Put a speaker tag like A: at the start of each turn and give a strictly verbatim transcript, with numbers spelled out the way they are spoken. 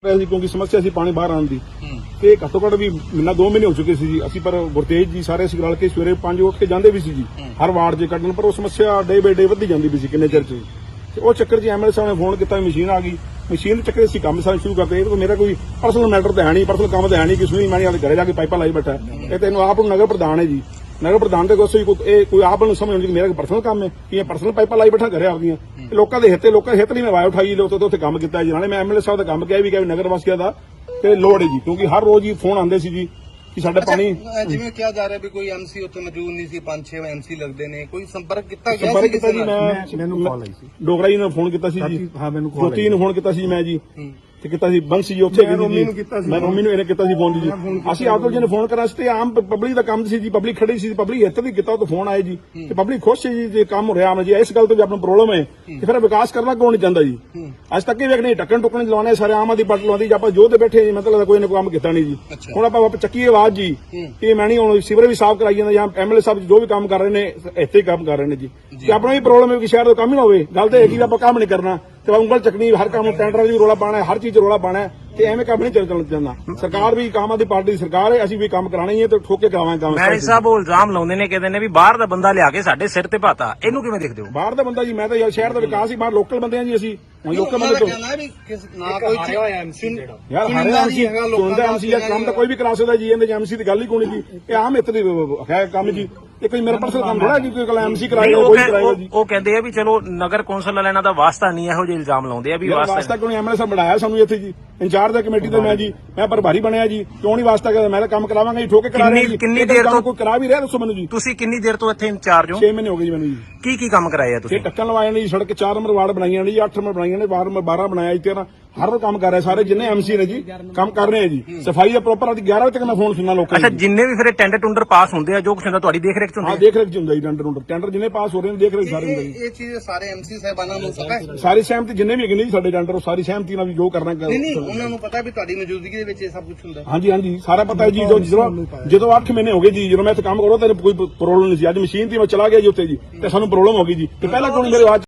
A: क्योंकि समस्या सी पानी बाहर आने की ते घट्टो घट भी महीना दो महीने हो चुके सी जी असी पर गुरतेज जी सारे असीं रल के सवेरे पांच उठ के जांदे भी सी जी हर वार्ड च कड्ढण पर वो समस्या डे बाय डे वधी जांदी भी सी किन्ने चिर च ते वो चक्कर च एमएलए साहब ने फोन किया मशीन आ गई मशीन के चक्कर असीं काम सारा शुरू करते तो मेरा कोई पर्सनल मैटर तो है नहीं पर्सनल काम तो है नहीं कि सुनी मैं घरे जाके पाइपा लाई बैठा ये तेन आप नगर प्रधान है जी नगर प्रधान के कोई कोई आप समझ आती मेरा पर्सनल काम है कि ये पर्सनल पाइपा लाई बैठा घरे आपदियां लोगों के हित लोगों के हित नहीं मैं आवाज उठाई लोग तो काम किया जी नाले मैं एमएलए साहब का काम किया भी नगर वासियों का ते लोड़ है जी क्योंकि हर रोज ही फोन आते जी कि साडा पानी
B: जिवें किया जा रहा है भी कोई एमसी उत्थे मौजूद नहीं सी पांच छह एमसी लगदे ने कोई संपर्क किया गया
A: संपर्क किया जी मैं मैनू कॉल आई सी डोगरा जी ने फोन किया सी जी हां मैनू कॉल ज्योति ने फोन किया सी मैं जी ਤੇ ਕੀਤਾ ਸੀ ਬੰਸੀ ਜੀ ਉੱਥੇ ਗਈ ਜੀ ਮੈਂ ਮੰਮੀ ਨੂੰ ਇਹਨੇ ਕੀਤਾ ਸੀ ਫੋਨ ਜੀ ਅਸੀਂ ਆਪ ਜੀ ਨੇ ਫੋਨ ਕਰਾ ਸੀ ਤੇ ਆਮ ਪਬਲਿਕ ਦਾ ਕੰਮ ਸੀ ਜੀ ਪਬਲਿਕ ਖੜੀ ਸੀ ਪਬਲਿਕ ਇੱਥੇ ਵੀ ਕੀਤਾ ਤਾਂ ਫੋਨ ਆਏ ਜੀ ਤੇ ਪਬਲਿਕ ਖੁਸ਼ ਸੀ ਜੀ ਜੇ ਕੰਮ ਹੋ ਰਿਹਾ ਮੈਂ ਜੀ ਇਸ ਗੱਲ ਤੋਂ ਵੀ ਆਪਣਾ ਪ੍ਰੋਬਲਮ ਹੈ ਤੇ ਫਿਰ ਵਿਕਾਸ ਕਰਨਾ ਕਿਉਂ ਨਹੀਂ ਚਾਹੁੰਦਾ ਜੀ ਅੱਜ ਤੱਕ ਇਹ ਵੇਖ ਨਹੀਂ ਟੱਕਣ ਟੁੱਕਣ ਲਾਉਣੇ ਸਾਰੇ ਆਮ ਆਦੀ ਪੱਟ ਲਾਉਂਦੀ ਜਾਂ ਆਪਾਂ ਜੋ ਤੇ ਬੈਠੇ ਜੀ ਮਤਲਬ ਕੋਈ ਨੇ ਕੰਮ ਕੀਤਾ ਨਹੀਂ ਜੀ ਹੁਣ ਆਪਾਂ ਵਾਪਸ ਚੱਕੀ ਆਵਾਜ਼ ਜੀ ਇਹ ਮੈਂ ਨਹੀਂ ਹੁਣ ਸਿਵਰ ਵੀ ਸਾਫ਼ ਕਰਾਈ ਜਾਂਦਾ ਜਾਂ ਐਮਐਲਏ ਸਾਹਿਬ ਜੋ ਵੀ ਕੰਮ ਕਰ ਰਹੇ ਨੇ ਇੱਥੇ ਹੀ ਕੰਮ ਕਰ ਰਹੇ ਨੇ ਜੀ ਤੇ ਆਪਣਾ ਵੀ ਪ੍ਰੋਬਲਮ ਹੈ ਕਿ ਸ਼ਹਿਰ ਦਾ ਕੰਮ ਹੀ ਨਾ ਹੋਵੇ ਗੱਲ ਤਾਂ ਇਹ ਕਿ ਆਪਾਂ ਕੰਮ ਨਹੀਂ ਕਰਨਾ ਤੇ ਉਂਗਲ ਚੱਕਣੀ ਹਰ ਕੰਮ ਟੈਂਡਰਾਂ ਦੀ ਰੋਲਾ ਪਾਣਾ ਹਰ ਚੀਜ਼ ਰੋਲਾ ਪਾਣਾ ਤੇ ਐਵੇਂ ਕੰਮ ਨਹੀਂ ਚੱਲਣ ਜਾਂਦਾ ਸਰਕਾਰ ਵੀ ਕਾਮਾਂ ਦੀ ਪਾਰਟੀ ਸਰਕਾਰ ਹੈ ਅਸੀਂ ਵੀ ਕੰਮ ਕਰਾਣਾ ਹੀ ਹੈ ਤੇ ਠੋਕ ਕੇ ਕਰਾਵਾਂਗੇ ਕੰਮ
C: ਮੈਂ ਸਾਹਿਬ ਉਹ ਇਲਜ਼ਾਮ ਲਾਉਂਦੇ ਨੇ ਕਹਿੰਦੇ ਨੇ ਵੀ ਬਾਹਰ ਦਾ ਬੰਦਾ ਲਿਆ ਕੇ ਸਾਡੇ ਸਿਰ ਤੇ ਪਾਤਾ ਇਹਨੂੰ ਕਿਵੇਂ ਦੇਖਦੇ ਹੋ
A: ਬਾਹਰ ਦਾ ਬੰਦਾ ਜੀ ਮੈਂ ਤਾਂ ਯਾਰ ਸ਼ਹਿਰ ਦਾ ਵਿਕਾਸ ਹੀ ਬਾਹਰ ਲੋਕਲ ਬੰਦੇ ਆ ਜੀ ਅਸੀਂ ਲੋਕਲ ਬੰਦੇ ਤੋਂ
B: ਨਾ ਕੋਈ ਐਮਸੀ
A: ਯਾਰ ਹਰੇ ਐਮਸੀ ਚੁਣਦਾ ਐਮਸੀ ਦਾ ਕੰਮ ਤਾਂ ਕੋਈ ਵੀ ਕਰਾ ਸਕਦਾ ਜੀ ਇਹਦੇ ਚ ਐਮਸੀ ਦੀ ਗੱਲ ਹੀ ਕੋਈ ਨਹੀਂ ਜੀ ਇਹ ਆਮ ਇੱਥੇ ਦੀ ਹੈ ਕੰਮ ਜੀ ਇਹ ਕੋਈ ਮੇਰਾ ਪਰਸਨਲ ਕੰਮ ਥੋੜਾ ਜੀ ਕੋਈ ਕੱਲ ਐਮਸੀ ਕਰਾਏਗਾ ਕੋਈ ਕਰਾਏਗਾ ਜੀ
C: ਉਹ ਕਹਿੰਦੇ ਆ ਵੀ ਚਲੋ ਨਗਰ ਕੌਂਸਲ ਵਾਲਿਆਂ ਨਾਲ ਦਾ ਵਾਸਤਾ ਨਹੀਂ ਇਹੋ ਜਿਹੇ ਇਲਜ਼ਾਮ ਲਾਉਂਦੇ ਆ ਵੀ
A: ਵਾਸਤਾ ਕਿਉਂ ਐਮਐਲਏ ਸਾਹਿਬ ਬਣਾਇਆ ਸਾਨੂੰ ਇੱਥੇ ਜੀ ਇੰਚਾਰਜ ਦਾ ਕਮੇਟੀ ਤੋਂ ਮੈਂ ਜੀ ਮੈਂ ਪ੍ਰਭਾਰੀ ਬਣਿਆ ਜੀ ਕਿਉਂ ਨਹੀਂ ਵਾਸਤਾ ਕਰਦਾ ਮੈਂ ਤਾਂ ਕੰਮ ਕਰਾਵਾਂਗਾ ਜੀ ਠੋਕੇ ਕਰਾ ਰਿਹਾ ਜੀ
C: ਕਿੰਨੀ ਦੇਰ ਤੋਂ
A: ਕੋਈ ਕਰਾ ਵੀ ਰਿਹਾ ਦੱਸੋ ਮੈਨੂੰ ਜੀ
C: ਤੁਸੀਂ ਕਿੰਨੀ ਦੇਰ ਤੋਂ ਇੱਥੇ ਇੰਚਾਰਜ ਹੋ
A: ਛੇ ਮਹੀਨੇ ਹੋ ਗਏ ਜੀ ਮੈਨੂੰ ਜੀ
C: ਕੀ ਕੀ ਕੰਮ ਕਰਾਏ ਆ ਤੁਸੀਂ
A: ਇਹ ਟੱਕਣ ਲਵਾਏ ਨੇ ਜੀ ਸੜਕ ਚਾਰ ਨੰਬਰ ਵਾਰਡ ਬਣਾਈਆਂ ਨੇ ਜੀ ਅੱਠ ਨੰਬਰ ਬਣਾਈਆਂ ਨੇ ਬਾਰਾਂ ਬਣਾਇਆ ਜੀ ਤੇਰਾਂ ਹਰ ਰੋਜ਼ ਕੰਮ ਕਰ ਰਹੇ ਸਾਰੇ ਜਿੰਨੇ ਐਮਸੀ ਨੇ ਜੀ ਕੰਮ ਕਰ ਰਹੇ ਆ ਜੀ ਸਫਾਈ ਦਾ ਪ੍ਰੋਪਰ ਅੱਜ ਗਿਆਰਾਂ ਵਜੇ ਤੱਕ ਮੈਂ ਫੋਨ ਸੁਣਨਾ ਲੋਕਾਂ
C: ਅੱਛਾ ਜਿੰਨੇ ਵੀ ਫਿਰ ਟੈਂਡਰ ਟੁੰਡਰ ਪਾਸ ਹੁੰਦੇ ਆ ਜੋ ਕੁਛ ਹੁੰਦਾ ਤੁਹਾਡੀ ਦੇਖ ਰੇਖ ਚ ਹੁੰਦਾ
A: ਹਾਂ ਦੇਖ ਰੇਖ ਚ ਹੁੰਦਾ ਜੀ ਟੈਂਡਰ ਟੁੰਡਰ ਟੈਂਡਰ ਜਿੰਨੇ ਪਾਸ ਹੋ ਰਹੇ ਨੇ ਦੇਖ ਰੇਖ ਸਾਰੇ ਹੁੰਦੇ ਜੀ
B: ਇਹ ਚੀਜ਼ ਸਾਰੇ ਐਮਸੀ ਸਾਹਿਬਾਨਾਂ ਨੂੰ ਪਤਾ ਹੈ
A: ਸਾਰੀ ਸਹਿਮਤੀ ਜਿੰਨੇ ਵੀ ਹੈਗੇ ਨੇ ਜੀ ਸਾਡੇ ਟੈਂਡਰ ਉਹ ਸਾਰੀ ਸਹਿਮਤੀ ਨਾਲ ਵੀ ਜੋ ਕਰਨਾ
B: ਨਹੀਂ ਨਹੀਂ ਉਹਨਾਂ ਨੂੰ ਪਤਾ ਵੀ ਤੁਹਾਡੀ ਮੌਜੂਦਗੀ ਦੇ ਵਿੱਚ ਇਹ ਸਭ ਕੁਝ ਹੁੰਦਾ
A: ਹਾਂਜੀ ਹਾਂਜੀ ਸਾਰਾ ਪਤਾ ਹੈ ਜੀ ਜਦੋਂ ਜਦੋਂ ਅੱਠ ਮਹੀਨੇ ਹੋ ਗਏ ਜੀ ਜਦੋਂ ਮੈਂ ਇੱਥੇ ਕੰਮ ਕਰੋ ਤਾਂ ਕੋਈ ਪ੍ਰੋਬਲਮ ਨਹੀਂ ਸੀ ਅੱਜ ਮਸ਼ੀਨ ਤੇ ਮੈਂ ਚਲਾ ਗਿਆ ਜੀ ਉੱਥੇ ਜੀ ਤੇ ਸਾਨੂੰ ਪ੍ਰੋਬਲਮ ਹੋ ਗਈ ਜੀ ਤੇ ਪਹਿਲਾਂ ਕਿਉਂ ਮੇਰੇ